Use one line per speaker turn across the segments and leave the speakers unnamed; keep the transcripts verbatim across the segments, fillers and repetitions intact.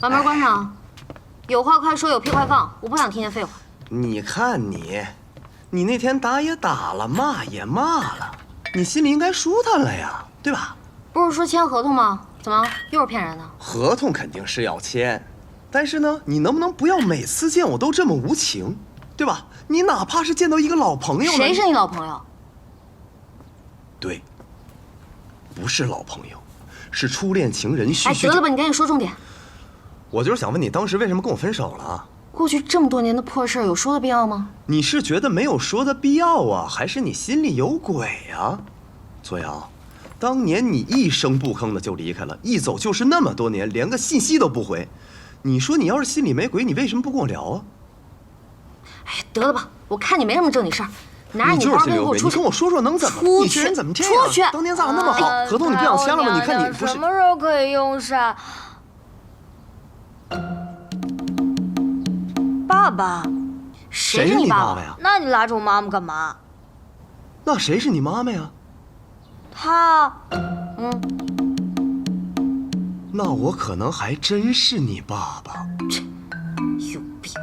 把门关上，有话快说，有屁快放，我不想听见废话。
你看你，你那天打也打了，骂也骂了，你心里应该舒坦了呀，对吧？
不是说签合同吗？怎么又是骗人的？
合同肯定是要签，但是呢，你能不能不要每次见我都这么无情，对吧？你哪怕是见到一个老朋友，
谁是你老朋友？
对，不是老朋友，是初恋情人叙
哎，
叙。
得了吧，你赶紧说重点。
我就是想问你，当时为什么跟我分手了？
过去这么多年的破事儿，有说的必要吗？
你是觉得没有说的必要啊，还是你心里有鬼啊？左阳，当年你一声不吭的就离开了，一走就是那么多年，连个信息都不回。你说你要是心里没鬼，你为什么不跟我聊啊？
哎呀，得了吧，我看你没什么正经事儿，拿着
你就是
包
心里有鬼，
给我出去。
你跟我说说能怎么？
出去
你这人怎么这样？
出去！
当年咱俩那么好，
呃
合同你不想签了吗？你看你不是
什么时候可以用上？爸爸，
谁
是
你爸
爸爸呀？
那你拉着我妈妈干嘛？
那谁是你妈妈呀？
她，
嗯，
那我可能还真是你爸爸。
有病！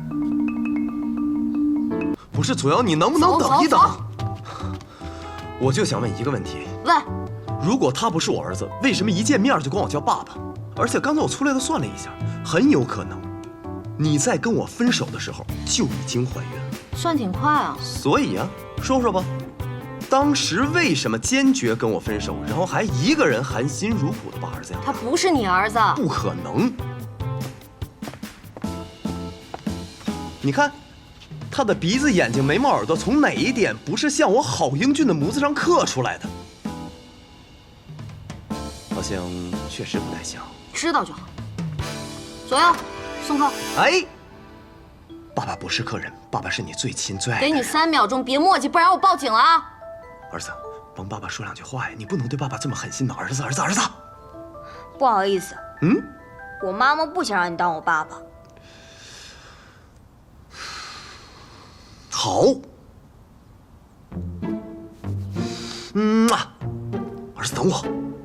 不是左阳，你能不能
走
等一等
走？
我就想问一个问题：
问，
如果他不是我儿子，为什么一见面就管我叫爸爸？而且刚才我粗略的算了一下，很有可能你在跟我分手的时候就已经怀孕了。
算挺快啊。
所以啊，说说吧，当时为什么坚决跟我分手，然后还一个人含辛茹苦的把儿子养大？
他不是你儿子。
不可能！你看，他的鼻子、眼睛、眉毛、耳朵，从哪一点不是像我好英俊的模子上刻出来的？好像确实不太像。
知道就好。左右，送客。
哎，爸爸不是客人，爸爸是你最亲最爱的人。
给你三秒钟，别磨叽，不然我报警了啊！
儿子，帮爸爸说两句话呀！你不能对爸爸这么狠心的。儿子，儿子，儿子。
不好意思，
嗯，
我妈妈不想让你当我爸爸。
好。嗯啊，儿子，等我。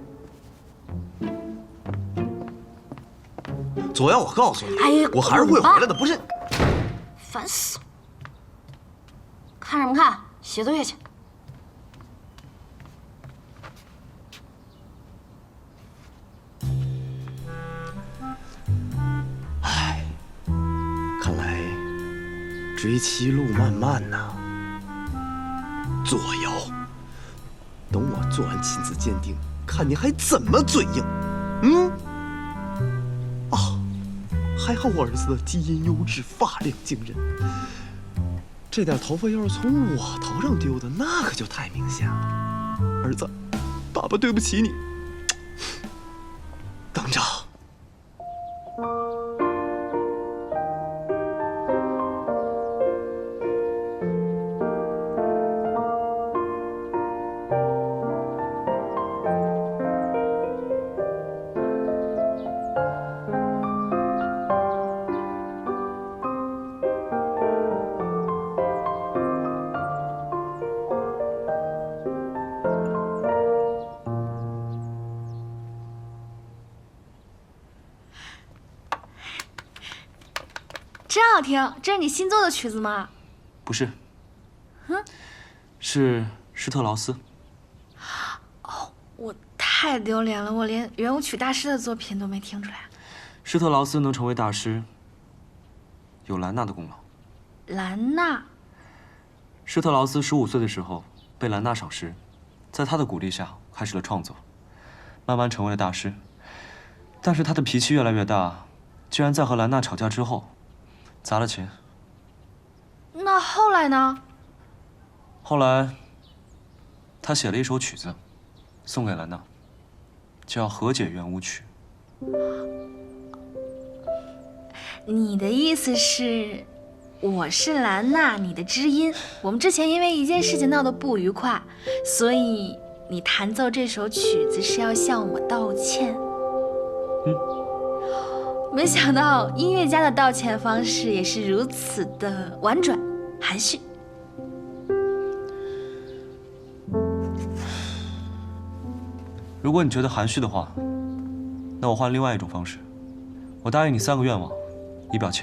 左阳，我告诉你，
哎呀
我还是会回来的，不是？
烦死了！看什么看？写作业去。
唉，看来追妻路漫漫呐。左瑶，等我做完亲子鉴定，看你还怎么嘴硬。嗯。啊，还好我儿子的基因优质，发量惊人。这点头发要是从我头上丢的，那可就太明显了。儿子，爸爸对不起你。等着。
真好听，这是你新做的曲子吗？
不是，
嗯，
是施特劳斯。
哦，我太丢脸了，我连圆舞曲大师的作品都没听出来。
施特劳斯能成为大师，有兰娜的功劳。
兰娜，
施特劳斯十五岁的时候被兰娜赏识，在她的鼓励下开始了创作，慢慢成为了大师。但是他的脾气越来越大，居然在和兰娜吵架之后砸了钱。
那后来呢？
后来，他写了一首曲子，送给兰娜，叫《和解圆舞曲》。
你的意思是，我是兰娜，你的知音。我们之前因为一件事情闹得不愉快，所以你弹奏这首曲子是要向我道歉。
嗯。
没想到音乐家的道歉方式也是如此的婉转、含蓄。
如果你觉得含蓄的话，那我换另外一种方式。 我答应你三个愿望，以表歉。